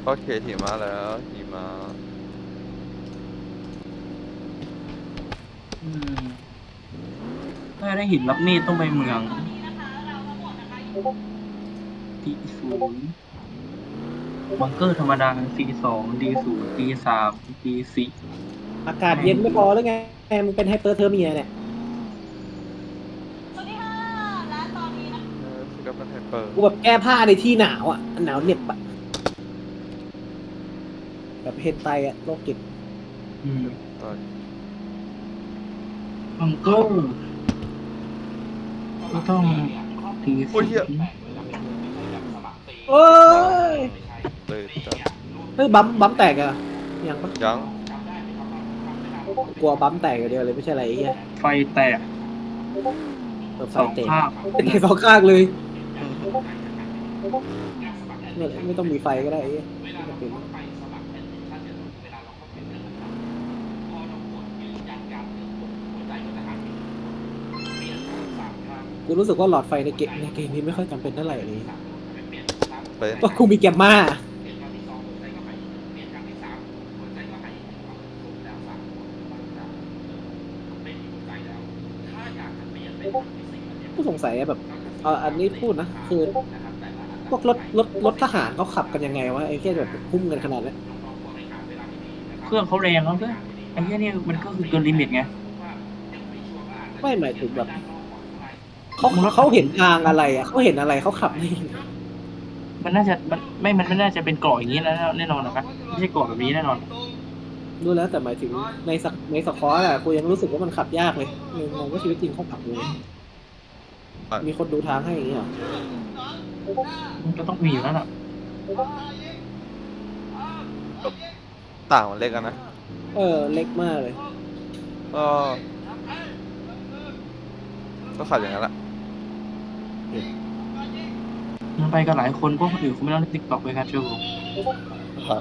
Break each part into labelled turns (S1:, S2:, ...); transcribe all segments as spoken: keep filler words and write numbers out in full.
S1: ก็เคหิมะแล้วหิมะ
S2: อืมถ้าได้หินรับมีดต้องไปเมืองตีศูนย์บังเกอร์ธรรมดาซีสองดีศูนย์ดีสามดีสี่
S3: อากาศเย็นไม่พอหรือไงมึงเป็นไฮเปอร์เทอร์เมียเนี่ย
S1: เออสกับเป็นไฮเปอร์
S3: กูแบบแก้ผ้าในที่หนาวอ่ะหนาวเหน็บอะแบบเฮนไตอะโรคจิต
S2: อืม
S1: ต่อย
S2: บังเกอร์ก็ต้องตี
S1: โอ้ย
S2: ศูน
S1: เหี้ย
S2: ย์
S3: โอ้ย
S1: เลยจัด
S3: เฮ้ยบัมบัมแตกอะยังปะ
S1: ยัง
S3: กลัวบัมแตกอย่างเดียวเลยไม่ใช่อะไรไอ้เหี้ย
S2: ไฟแตก
S3: เปิดไฟ
S2: สอง
S3: แตก
S2: ข้าง
S3: แตกสองข้างเลยไม่ไม่ต้องมีไฟก็ได้ไอ้เหี้ยไม่จำเป็นกูรู้สึกว่าหลอดไฟในเกมในเกมนี้ไม่ค่อยจำเป็นเท่าไหร่เลย
S1: เป็น
S3: เพราะกูมีแกมมากูสงสัยอะแบบเอออันนี้พูดนะคือพวกรถรถรถทหารเขาขับกันยังไงวะไอ้แค่แบบพุ่งกันขนาดนั้น
S2: เครื่องเขาแรงแล้วเพื่อนไอ้เหี้ยนี่มันก็คือเกินลิมิตไง
S3: ไม่หมายถึงแบบเขาเขาเห็นทางอะไรอ่ะเขาเห็นอะไรเขาขับได้ยังไง
S2: มันน่าจะมันไม่มันไม่น่าจะเป็นเกาะอย่างนี้แล้วแน่นอนหรอกนะไม่ใช่เกาะแบบนี้แน่นอน
S3: รู้แล้วแต่หมายถึงในสักในสควอตอะกูยังรู้สึกว่ามันขับยากเลยงงว่าชีวิตจริงเขาขับยังไงมีคนดูทางให้อย่างเงี้ยเหรอ
S2: มันก็ต้องมีอยู่แล้วล่ะ
S1: ต่างมันเล็กกันนะ
S3: เออเล็กมากเลย
S1: ก็ก็ขับอย่างนั้นแหละ
S2: มันไปกันหลายคนพวกคนอื่นเขาไม่ต้องเล่นติ๊กต็อกเลยครับเชื่อผม
S1: ครับ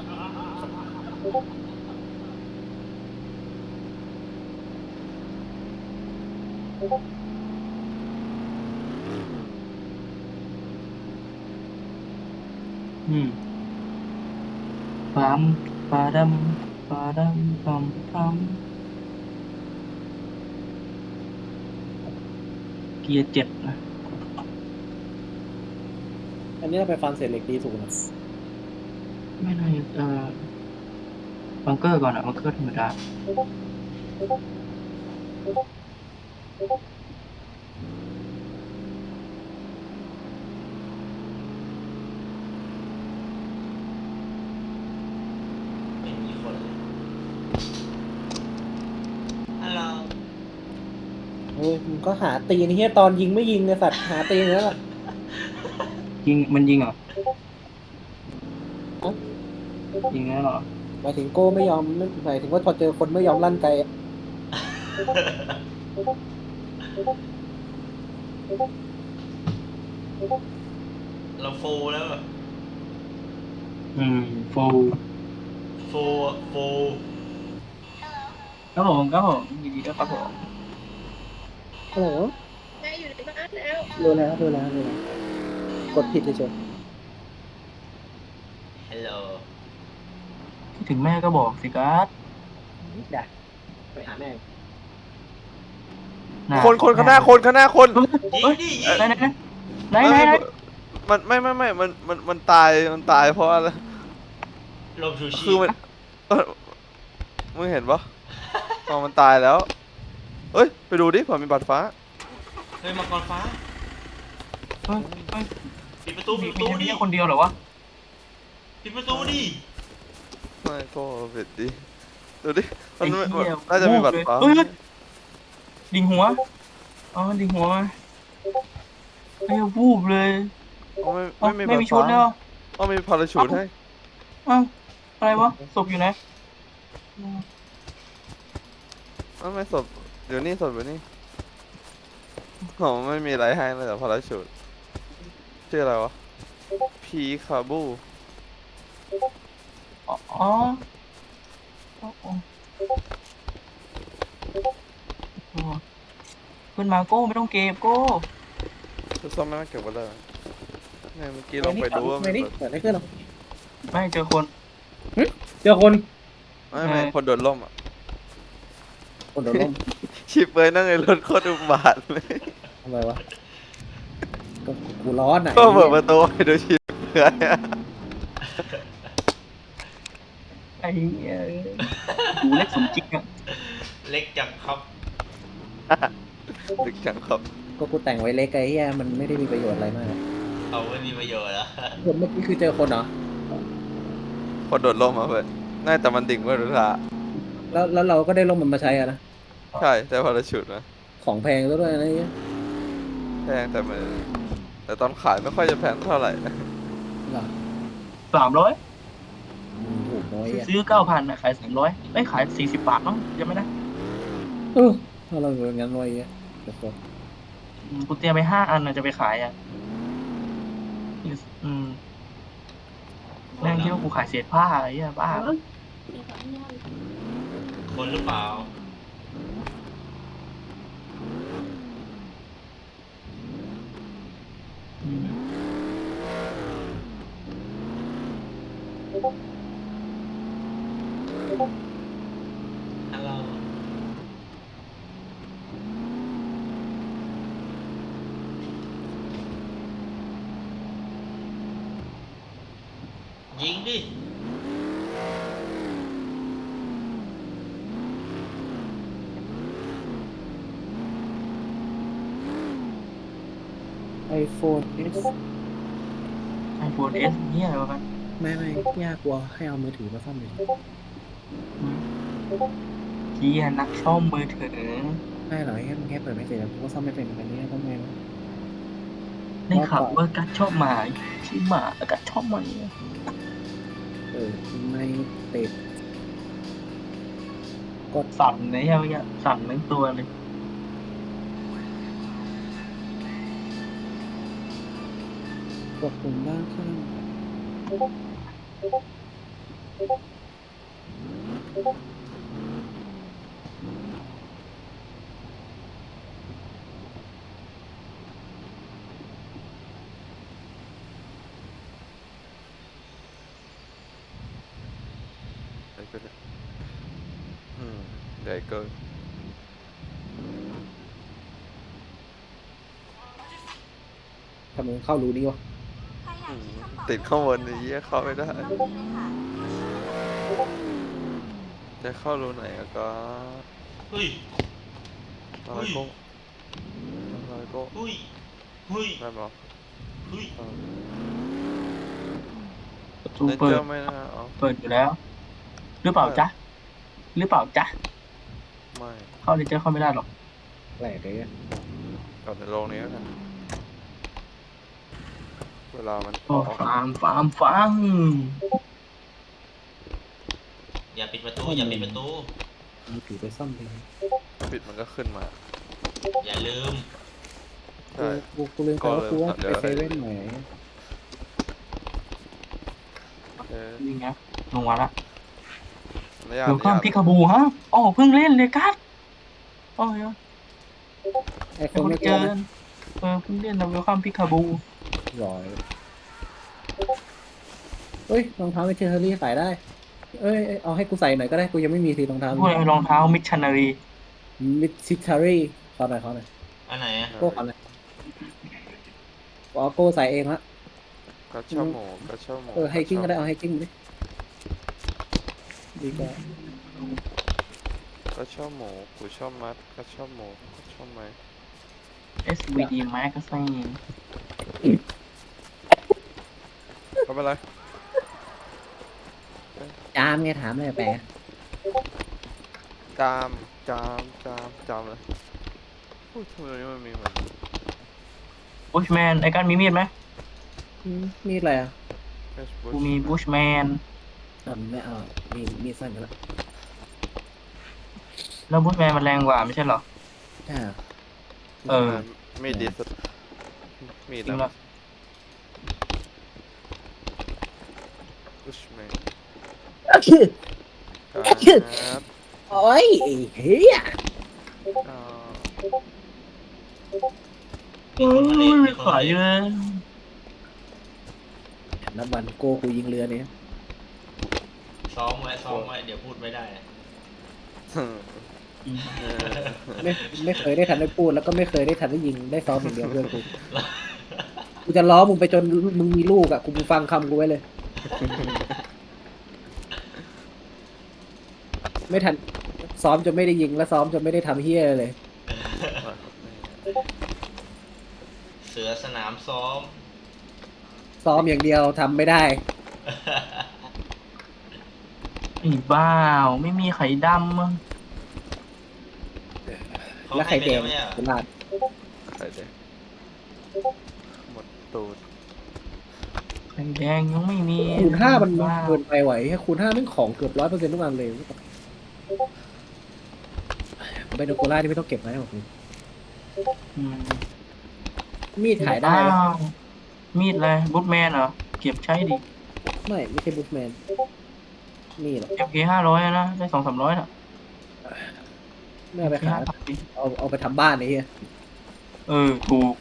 S2: อืมปั๊มปาดัมปาดัมปั๊มปั๊มเกียร์เจ็ดนะ
S3: อันนี้เราไปฟันเศษเหล็กดีถูกนะ
S2: ไม่น่าเอ่อบังเกอร์ก่อนอะบังเกอร์ธรรมดา
S3: เฮ้ยมึงก็หาตีนเฮียตอนยิงไม่ยิงเนี่ยสัตว์หาตีนแล้วล่ะ
S2: ยิงมันยิงเหรอยิงแล้วเหรอ
S3: หมายถึงโก้ไม่ยอมหมายถึงว่าพอเจอคนไม่ยอมลั่นไกอะ
S4: เราโฟแล้วอะ
S2: อืมโฟ
S4: โฟโฟ
S2: ครับผมครับผมยินดีด้วยครับผม
S3: ฮัลโหล
S5: แม่อยู่ในบ้านแล้ว
S3: รู้แล้วรู้แล้วรู้แล้วกดผิดเฉย
S4: ฮัลโหล
S2: คิดถึงแม่ก็บอกสิการ์ด
S3: ๆได้ไปหาแม่
S2: น่ะ
S1: คนคนข้างหน้าคนข้างหน้าคน
S4: ยิง
S2: เฮ้ย
S4: ดิยิง
S2: ไหนไหนไหนไหนไหน
S1: มันไม่ไม่ไม่มันมันมันตายมันตายเพราะอะไร
S4: ลมชูชี
S1: คือมันเออมึงเห็นปะอ๋อมันตายแล้วเอ้ยไปดูดิเผื่อมีบัตรฟ้า
S4: เฮ้ยมังกรฟ้า
S2: เฮ้ยเฮ้ย
S4: ปิดประตู
S2: มี
S4: ปิดประตู
S2: มี
S4: ดิ
S2: แค่คนเดียวเหรอวะ
S4: ปิดประตูดิ
S1: ไม่ก็เผ็ดดิดูดิมั
S2: ไอ้
S1: น
S2: เหี้ย
S1: น่าจะมีบัตรฟ้า
S2: เฮ้ยดิ่งหัวอ๋อดิ่งหัวไอ้ยวูบเลย
S1: อ๋อไม่
S2: เอ้า
S1: ไม่มี
S2: ไม่
S1: บัต
S2: มี
S1: ร
S2: ชุ
S1: ฟ้า
S2: ดแล้ว
S1: อ๋อมีพาราชูทให้
S2: เอ้าอะไรวะศพอยู่ไหน
S1: อ๋อไม่ศพเดี๋ยวนี้ศพเดี๋ยวนี้อ๋อไม่มีอะไรให้เลยแต่พาราชูทชื่ออะไรวะพีคาบู
S2: อ๋ออ๋ออ๋ออ๋อขึ้นมาโก้ไม่ต้องเก็บโก้
S1: จะซ่อมไม่มาเก็บไว้เลยเนี่ยเมื่อกี้ลองไปดูว่า
S3: ไม่
S1: มี
S3: นี่
S1: บัตร
S3: เกิดอะไรขึ้นหรอ
S2: ไปไม่เจอคน
S3: เจอคน
S1: ไม่ไม่
S2: เออ
S1: คนโดนล่มอ่ะ
S3: คนโดนล้ม
S1: ชิบเลยนั่งในรถโคตรอุบาทเลย
S3: ทำไมวะก็กูร้อนอ่ะ
S1: ก็เปิดป
S3: ไอ้
S1: ระตูให้ดูชิบเลยอะ
S2: ไอ้เหี้ยดูเล็กสมจริงอ่ะ
S4: เล็กจังครับ
S1: ตึกจังครับ
S3: ก็กูแต่งไว้เล็กไอ้เหี้ยมันไม่ได้มีประโยชน์อะไรมาก
S4: เอาไม่มีประโยชน์แล้ว
S3: คนเมื่อกี้คือเจอคนเหรอ
S1: คนโดนล่มมาเพื่อนน่าแต่มันดิ่งเพื่อนรู้ละ
S3: แล้วแล้วเราก็ได้ร่มมันมาใช้อะนะ
S1: ใช่แต่พาราชุดนะ
S3: ของแพงซะด้วยนะไอ้เหี้ย
S1: แพงแต่มันแต่ตอนขายไม่ค่อยจะแพงเท่าไหร่นะ
S3: หรอ
S2: สามร้อย
S3: อืมถูกน้อยอ่ะ
S2: ซื้อเก้าพันนะขายสามร้อยไม่ขายสี่สิบบาทมั้งยังไม่ได้
S3: เออถ้าเราเป็นงั้นไว้อ่ะเดี๋ยวก่อน
S2: อืมกูเตรียมไปห้าอันนะจะไปขายอ่ะอืมแม่งคิดว่ากูขายเศษผ้าไอ้เหี้ยบ้า
S4: คนหรือเปล่า
S2: อืม
S4: ฮัลโหลยิงดิ
S3: ไอโฟนเอส
S2: ไอโฟนเอสเนี่ยอะไรวะกัน
S3: ไม่ไม่ยากกว่าให้เอามือถือมาซ่อมเลย
S2: อืมเฮียนักซ่อมมือถือ
S3: ไม่หรอกแค่แค่เปิดไม่เสร็จแล้วกูก็ซ่อมไม่เป็นแบบนี้ต้องไงวะ
S2: ได้ข่าวว่ากัดชอบหมาชื่อหมากัดชอบหมาเนี่ย
S3: เออไม่ติดกด
S2: สั่นเลยใช่ไหมเนี่ยสั่นทั้งตัวเลย
S3: กดปุ่มด้านข้าง
S1: ไอ้เพื่อนเนี่ยอืมใหญ่เกิน
S3: ทำไมเข้ารูนี้วะ
S1: อืมติดข้างบนไอ้เหี้ยเข้าไม่ได้จะเข้ารูไหนอะก็
S4: เฮ้ย
S1: อะไรก็อะไรก็
S4: เฮ้ยเฮ้ย
S1: ได้ปะ
S4: เฮ้ย
S1: เออ
S2: ประตู
S1: ใน
S2: เปิ
S1: เจ้า
S2: ด
S1: ไม่น่าเอา
S2: เปิดอยู่แล้ว หรือเปล่าจ๊ะหรือเปล่าจ๊ะ
S1: ไม่
S2: เข้าเลเจอร์เข้าไม่ได้หรอก
S3: แปลกเลยอะ
S1: กลับในโรงนี้แล้วกันเวลามัน
S2: โอ้ฟาร์มฟาร์มฟาร์ม
S4: อย่าปิดประตูอย่าปิดประตู
S3: มือถือไปซ่อมเลย
S1: ปิดมันก็ขึ้นมา
S4: อย่าลืม
S1: ใช่
S3: กูกูลืมไปว่ากูว่าไปเซเว่นไหน
S1: เออ
S2: นี่ไงลงมาละ
S1: ไม่ยาก
S2: เดี๋ยว
S1: ไม่
S2: ข้าม
S1: ยาก
S2: พิกาบูฮะอ๋อเพิ่งเล่นเลยกัสโอ้ย
S3: ไอโฟ
S2: เป็นคน
S3: นไม่
S2: เจ
S3: เกิ
S2: อน เออเพิ่งเล่นแล้วเวลคัมพิกาบู
S3: ร้อยเฮ้ยรองเท้าไม่เชอร์รี่ขายได้ เอ้ยเอาให้กูใส่หน่อยก็ได้กูยังไม่มีทีรองเท้า
S2: พวกรองเท้ามิชชันนารี
S3: มิดซิทารี่ขอหน่อยขอหน่อย
S4: อันไหนอะ
S3: โก้ขอหน่อยเอาโก้ใส่เองละ
S1: กระเช่าหมูกระเช่าหมู
S3: เออไฮกิ้งก็ได้เอาไฮกิ้งดิดีกว่าก
S1: ระเช่าหมูกูชอบมัดกระเช่าหมูกระเช่าไหม
S2: เอส วี ดี Magazine
S1: ไม่เป็นไร
S3: จามไงถามเลยแปล
S1: จามจามจามจามเลยพูดทำไมนี้มันมีเหมือน
S2: บุชแมนไอ้กันมีมีดไหม
S3: อืมมีดอะไรอ่ะ
S1: Facebook
S2: กูมีบุชแมน
S3: อ่าไม่เอามีมีดสั้นกันละ
S2: แล้วบุชแมนมันแรงกว่าไม่ใช่เหรอ
S3: ใช่เหรอ
S2: เออ
S1: มีดดีสุดมี
S2: จ
S1: ด
S2: ริง
S1: นะ
S2: ละ
S1: อุชแมน
S3: คือ
S1: ครับ
S3: โอ้ยไอ้เฮีย
S1: อ่า
S2: เออไม่ขายเลย
S3: นับวันโก้กูยิงเรือเนี่ย
S4: ซ้อมไว้ซ้อมไว้เดี๋ยวพูดไม่ได้อะ
S2: อืม
S1: เออ
S3: ไม่ไม่เคยได้ทันได้พูดแล้วก็ไม่เคยได้ทันได้ยิงได้ซ้อมอย่างเดียวเพื่อนกูกูจะล้อมึงไปจนมึงมีลูกอ่ะกูฟังคำกูไว้เลย ไม่ทันซ้อมจนไม่ได้ยิงแล้วซ้อมจนไม่ได้ทำเฮียอะไรเลย
S4: เสือสนามซ้อม
S3: ซ้อมอย่างเดียวทำไม่ได้
S2: ไอ้บ้าวไม่มีไข่ดำมั้ง
S4: เขา
S3: แล้ว
S4: ให้
S3: ไข่
S4: ไป
S3: แด
S4: แล้
S3: ง
S4: วเนี่ย
S3: ตลาด
S1: ใครเด็กหมดตูด
S2: ไข่แดงยังไม่มี
S3: คูณห้ามัน
S2: บ้าว
S3: เกินไปไหวแค่คูณห้าแม่งของเกือบร้อยเปอร์เซ็นต์ทุกอันเลยไบโนโคล่าที่ไม่ต้องเก็บไว้หรอก
S2: อืม
S3: มีดขายได้ไหม
S2: อ้าวมีดอะไรบูทแมนเหรอเก็บใช้ดิ
S3: ไม่ไม่ใช่บูทแมนนี่หรอก
S2: เอฟเคห้าร้อยนะได้สองสามร้อยน่ะ
S3: ไม่เอาไปขาย
S2: ห้าสิบ
S3: เอาเอาไปทำบ้านไอ้เหี้ย
S2: เออถูก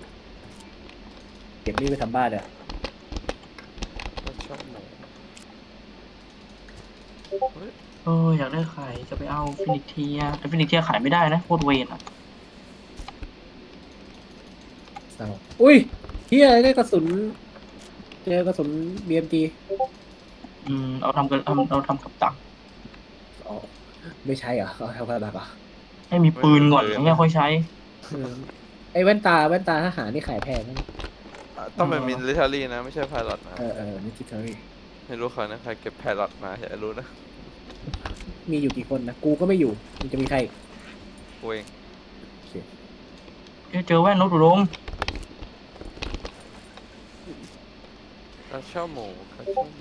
S3: เก็บนี่ไปทำบ้านเนี่ย
S1: ก็ชอบหมู
S2: เอออยากได้ไข่จะไปเอาฟินิกเทียแต่ฟินิกเทียขายไม่ได้นะโคตรเวรอ่ะ
S3: เศร้าอุ้ยเฮียได้กระสุนเจอกระสุน บี เอ็ม จี
S2: อืมเอาทำกันทำเราทำกับตัก
S3: อ๋อไม่ใช่เหรอเอาทำอะไรแบบ
S2: ให้มีปืนก่อนแล้วค่อยใช้
S3: ไอ้แว่นตาแว่นตาทหารนี่ขายแพงนะ
S1: อ่ะต้องเป็นมิลิเทอรี่นะ ไม่ใช่ไพลอตนะ
S3: เออเออนิติทอรี่
S1: ไม่รู้เขานะใครเก็บไพลอตมาอยากรู้นะ
S3: มีอยู่กี่คนนะกูก็ไม่อยู่มันจะมีใครอีก
S1: กูเอง
S2: เจอเจอแว่นนกดุดม
S1: ก็ชอบหมูก็ชอบหมา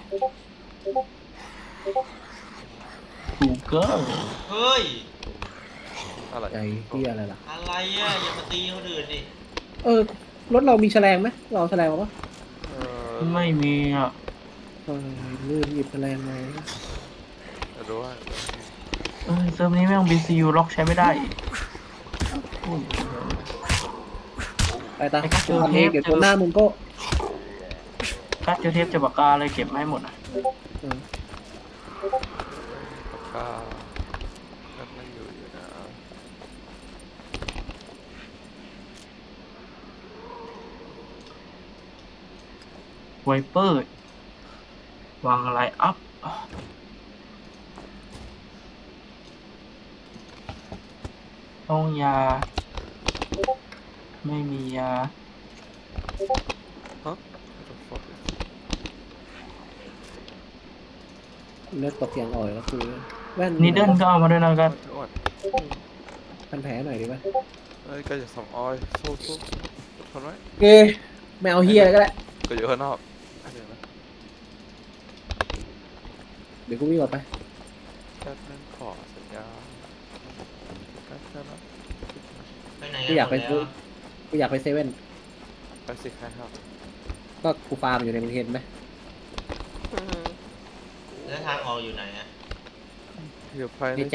S2: ถูกเกิน
S4: เฮ้ย
S1: อะไร
S3: ใจที่อะไรล่ะ
S4: อะไรอ่ะอย่ามาตีเขาอื่นดิ
S3: เออรถเรามีแฉลงไหมเราเอาแฉลงมาปะ
S1: เออ
S2: ไม่มีอ่ะ
S3: เออลืมหยิบแฉลงมา
S1: จะรู้ว่า
S2: เออเซิร์ฟนี้แม่ง บี ซี ยู ล็อกใช้ไม่ได้อุ้ย
S3: ไปตา
S2: ไอ้ก็เจอ
S3: ทำ
S2: เท
S3: เอง
S2: ป
S3: เดี๋ยวตัวหน้ามึงก็
S2: กัดเจอเทปจะปากกาเลยเก็บมาให้หมดอ่ะ
S3: เออ
S1: ปากกาก็ไม่อยู่อยู่นะ
S2: ไวเปอร์วางอะไรอัพต้องยา ไม่มียา
S1: What the fuck is
S3: เลือดตกอย่างอ่อยแล้วคือแว่น
S2: นีเดิลก็เอามาด้วยนะกัน
S1: อ้วน
S3: พันแผลหน่อยดีไหม
S1: เอ้ยก็จะสองออยสู้สู้ทนไว้
S3: เอ้ไม่เอาเฮียก็ได้
S1: ก็อยู่ข้างนอกเดี๋ยวนะ
S3: เดี๋ยวกูวิ่งออกไป
S1: แป๊บนึงขอสัญญาแป๊บนึงนะ
S4: ไปไหน
S3: กู
S4: กัน
S3: อยาก
S4: หม
S3: ไป
S4: ด
S3: ซื้
S4: แล้
S3: อ
S4: ว
S3: กูอยากไปเซเว่น
S1: ไปสิใครครับ
S3: ก็กูฟาร์มอยู่ในมึงเห็นไหม
S4: แล้วทางออกอยู่ไหนอ่ะ
S1: อยู่ภายในใจ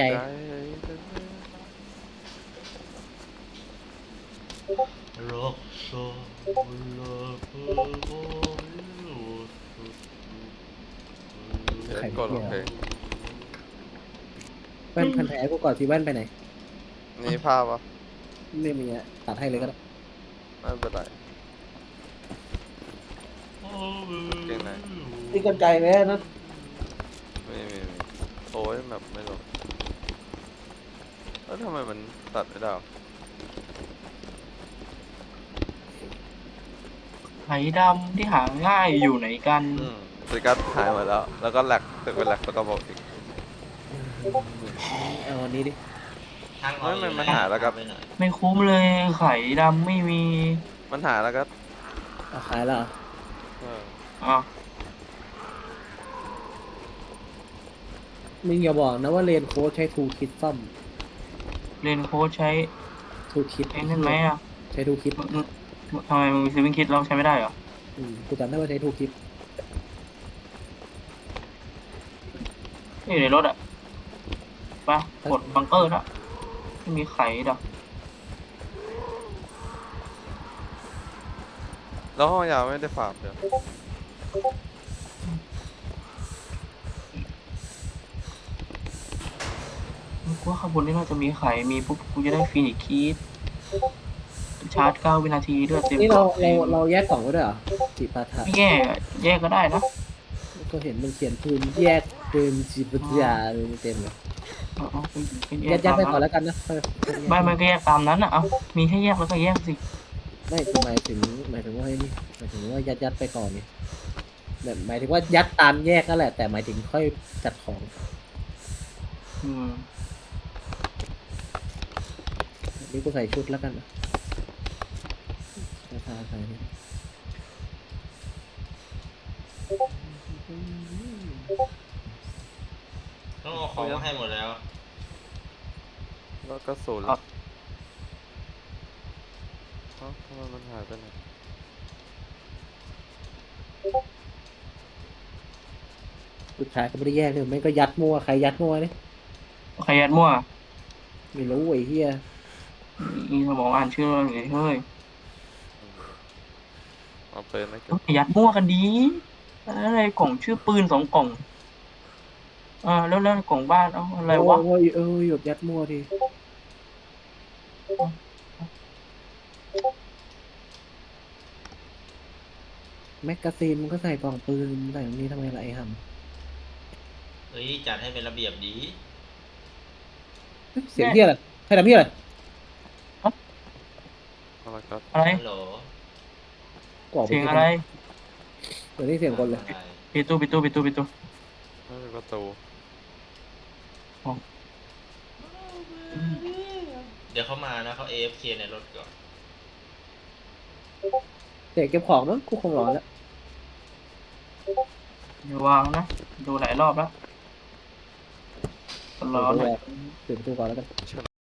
S4: โรคโซโลโก
S1: เดี๋ยวกดโอเค
S3: แว่นพันแผลกูก่อนที่แว่นไปไหน
S1: นี่ภาพวะ
S3: ไม่มีอะตัดให้เลยก็ได้
S1: ไม่เป็นไร เก่งไหน
S3: นี่กันไกลไหมนะ
S1: ไม่มีไม่มีโอ้ยแบบไม่ลงแล้วทำไมมันตัดไม่ได้วะ
S2: ไหดำที่หาง่ายอยู่ไหนกัน
S1: อืมสกัดหายหมดแล้ว แล้วก็แหลกตึกเป็นแหลกแล้วก็บอกอีก
S3: เอาอันนี้ดิ
S4: ทางออกอยู่
S1: ไม่
S4: ไห
S1: มันหาแล้วครับ
S4: ไปหน่อย
S2: ไม่คุ้มเลยไข่ดำไม่มี
S1: มันหาแล้วก็
S3: เอาขายแล้วเหรอ
S1: เออ
S2: อ่ะ
S3: มึงอย่าบอกนะว่าเรียนโค้ชใช้ทูคิดซ่อม
S2: เรียนโค้ชใช้
S3: ทูคิด
S2: ไอ้นั่นไหมอ่ะ
S3: ใช้ทูคิด
S2: มึงมึงทำไมมึงซื้อเป็นคิดเราใช้ไม่ได้เหรอ
S3: อืมกูจำได้ว่าใช้ทูคิด
S2: นี่อยู่ในรถอ่ะไปกดบังเกอร์ละไม่มีไข่ดอก
S1: แล้วห้องยาไม่ได้ฝากเดี๋ยว
S2: กูว่าข้างบนนี่น่าจะมีไข่มีปุ๊บกูจะได้ฟีนิกซ์คีดชาร์จเก้าวินาทีด้วยเต็ม
S3: นี่เรา
S2: กล่อง
S3: เราเราแยกกล่องไว้ด้วยเหรอจิปาถะ
S2: ไม่แยกอะแยกก็ได้นะ
S3: ก็เห็นมันเขียนปืนแยกปืนจิปาถะเต็มเลย
S2: เอาเอาไปไปแย
S3: ยั
S2: ก
S3: ดยัด
S2: ตาม
S3: ไปก่อน
S2: นั้น
S3: แล้วกันนะค่อยค่อยแยก
S2: ไม่มันก็แยกตามนั้นนะเอามีให้แยกแล้วก็แยกสิ
S3: ไม่คือหมายถึงหมายถึงว่าไอ้นี่หมายถึงว่ายัดยัดไปก่อนนี่แบบหมายถึงว่ายัดตามแยกนั่นแหละแต่หมายถึงค่อยจัดของ
S2: อืม
S3: นี่กูใส่ชุดแล้วกันนะราคาใส่นี่
S4: ต้องเอาของมาให้หมดแล้ว
S1: แล้วก็ศูนย์แล้วเอ้าทำไมมันหายไปไหน
S3: สุดท้ายก็ไม่ได้แยกเลยไม่ก็ยัดมั่วใครยัดมั่วนี่
S2: ใครยัดมั่ว
S3: ไม่รู้ไอ้เหี้ย
S2: อีสมองอ่านชื่อเราเลยเฮ้ย
S1: เอาปืนนะเก็บ
S2: ต้องยัดมั่วกันดีอะไรกล่องชื่อปืนสองกล่องอ่าแล้วแล้วกล่องบ้านเอาอะไรวะ
S3: โอ้ยเออหยบยัดมั่วทีแมกกาซีนมันก็ใส่กล่องปืนใส่ตรงนี้ทำไมล่ะไอ้ห่
S4: เฮ้ย จัดให้เป็นระเบียบดี
S3: ำเสียงเหี้ยอะไรใครทำเหี้ยอะไร
S1: เอาละครับ
S2: อะไร
S4: ฮัลโหล
S3: กล่อง
S2: เสียงอะไร
S3: เดี๋ยวนี้เสียงคนเลย
S4: อะไร
S2: ปิดตู้ปิดตู้ปิดตู้ปิดตู้
S1: ไม่มีประตู
S4: เดี๋ยวเขามานะเขา เอ เอฟ เค ในรถก่อน
S3: เสียงเก็บของเนอะกูคงร้อนแล้ว
S2: อย่าวางนะดูหลายรอบแล้วร้อนหน่อย
S3: เปิดประตูก่อนแล้วกัน
S1: เชิญ